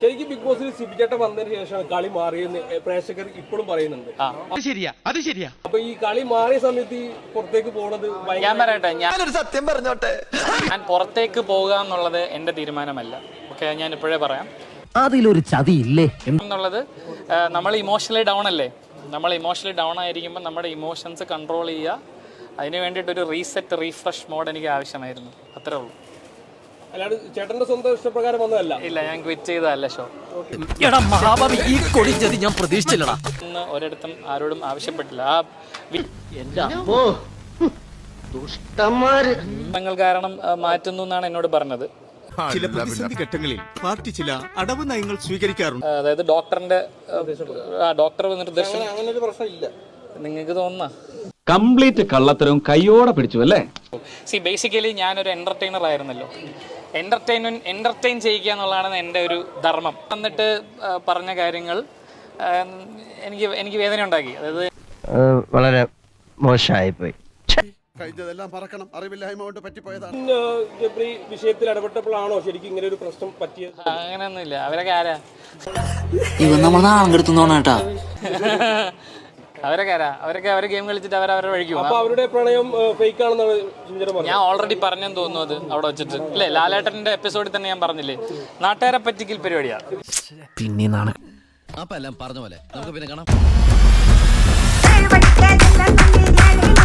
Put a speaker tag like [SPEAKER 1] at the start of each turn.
[SPEAKER 1] ശരിക്കും ബിഗ് ബോസിൽ സിബിചേട്ടൻ വന്നതിന് ശേഷമാണ് കളി മാറിയെന്ന് പ്രേക്ഷകർ ഇപ്പോഴും പറയുന്നുണ്ട്.
[SPEAKER 2] അത് ശരിയാ.
[SPEAKER 1] അപ്പൊ ഈ കളി മാറിയ സമയത്ത് ഈ പുറത്തേക്ക് പോകുന്നത്
[SPEAKER 3] ഞാൻ പറയട്ടെ,
[SPEAKER 2] ഞാനൊരു സത്യം പറഞ്ഞോട്ടെ,
[SPEAKER 3] ഞാൻ പുറത്തേക്ക് പോകുക എന്നുള്ളത് എന്റെ തീരുമാനമല്ല. ഓക്കെ, ഞാൻ ഇപ്പോഴേ പറയാം.
[SPEAKER 4] അതിലൊരു ചതിയില്ലേ
[SPEAKER 3] എന്നുള്ളത് നമ്മൾ ഇമോഷണലി ഡൗൺ അല്ലേ. നമ്മൾ ഇമോഷണലി ഡൗൺ ആയിരിക്കുമ്പോൾ നമ്മുടെ ഇമോഷൻസ് കൺട്രോൾ ചെയ്യുക. അതിന് വേണ്ടിയിട്ടൊരു റീസെറ്റ് റീഫ്രഷ് മോഡ് എനിക്ക് ആവശ്യമായിരുന്നു. അത്രേ ഉള്ളൂ.
[SPEAKER 1] അല്ലാണ്ട് ചേട്ടന്റെ സ്വന്തം ഇഷ്ടപ്രകാരം വന്നതല്ല.
[SPEAKER 3] ഇല്ല, ഞാൻ ക്വിറ്റ് ചെയ്തതല്ല ഷോ.
[SPEAKER 4] ഈ കൊടിച്ചത് ഞാൻ പ്രതീക്ഷിച്ചില്ലടാ.
[SPEAKER 3] ഇന്ന് ഒരിടത്തും ആരോടും ആവശ്യപ്പെട്ടില്ല. ആ നിങ്ങൾ കാരണം മാറ്റുന്നു എന്നാണ് എന്നോട് പറഞ്ഞത്.
[SPEAKER 5] ചില പ്രതിസന്ധി ഘട്ടങ്ങളിൽ പാർട്ടി ചില അടവ് നയങ്ങൾ സ്വീകരിക്കാറുണ്ട്.
[SPEAKER 3] അതായത് ഡോക്ടർ നിർദ്ദേശം.
[SPEAKER 1] അങ്ങനെ ഒരു പ്രശ്നമില്ല.
[SPEAKER 3] നിങ്ങൾക്ക് തോന്നുന്ന
[SPEAKER 6] കംപ്ലീറ്റ് കള്ളത്തരവും കയ്യോടെ പിടിച്ചു അല്ലേ?
[SPEAKER 3] ബേസിക്കലി ഞാനൊരു എന്റർടൈനർ ആയിരുന്നല്ലോ. എന്റർടൈൻ ചെയ്യിക്കുക എന്നുള്ളതാണ് എൻ്റെ ഒരു ധർമ്മം. എന്നിട്ട് പറഞ്ഞ കാര്യങ്ങൾ എനിക്ക് വേദന ഉണ്ടാക്കി. അതായത്
[SPEAKER 4] വളരെ മോശമായിപ്പോയി.
[SPEAKER 5] കഴിഞ്ഞതെല്ലാം പറക്കണം, അറിവില്ലായ്മ കൊണ്ട് പറ്റിപ്പോയതാണ്.
[SPEAKER 1] ജബ്രി വിഷയത്തിൽ ഇടപെട്ടപ്പോഴാണോ ശരിക്കും ഇങ്ങനെ ഒരു പ്രശ്നം പറ്റിയത്?
[SPEAKER 3] അങ്ങനെയൊന്നുമില്ല. അവരൊക്കെ ആരാ?
[SPEAKER 4] നമ്മൾ നാളെ എടുത്തോണേട്ടാ.
[SPEAKER 3] അവരൊക്കെ അവർ ഗെയിം കളിച്ചിട്ട് അവരവരെ വഴിക്കും.
[SPEAKER 1] അപ്പൊ അവരുടെ പ്രണയം ഫേക്ക് ആണെന്നാണ് സുന്ദരം പറഞ്ഞത്.
[SPEAKER 3] ഞാൻ ഓൾറെഡി പറഞ്ഞെന്ന് തോന്നുന്നു അത് അവിടെ വെച്ചിട്ട്. അല്ലേ, ലാലേട്ടന്റെ എപ്പിസോഡിൽ തന്നെ ഞാൻ പറഞ്ഞില്ലേ, നാട്ടുകാരെ പറ്റിക്കൽ പരിപാടിയാണ്.
[SPEAKER 4] പിന്നെ
[SPEAKER 2] അപ്പൊ എല്ലാം പറഞ്ഞ പോലെ നമുക്ക് പിന്നെ കാണാം.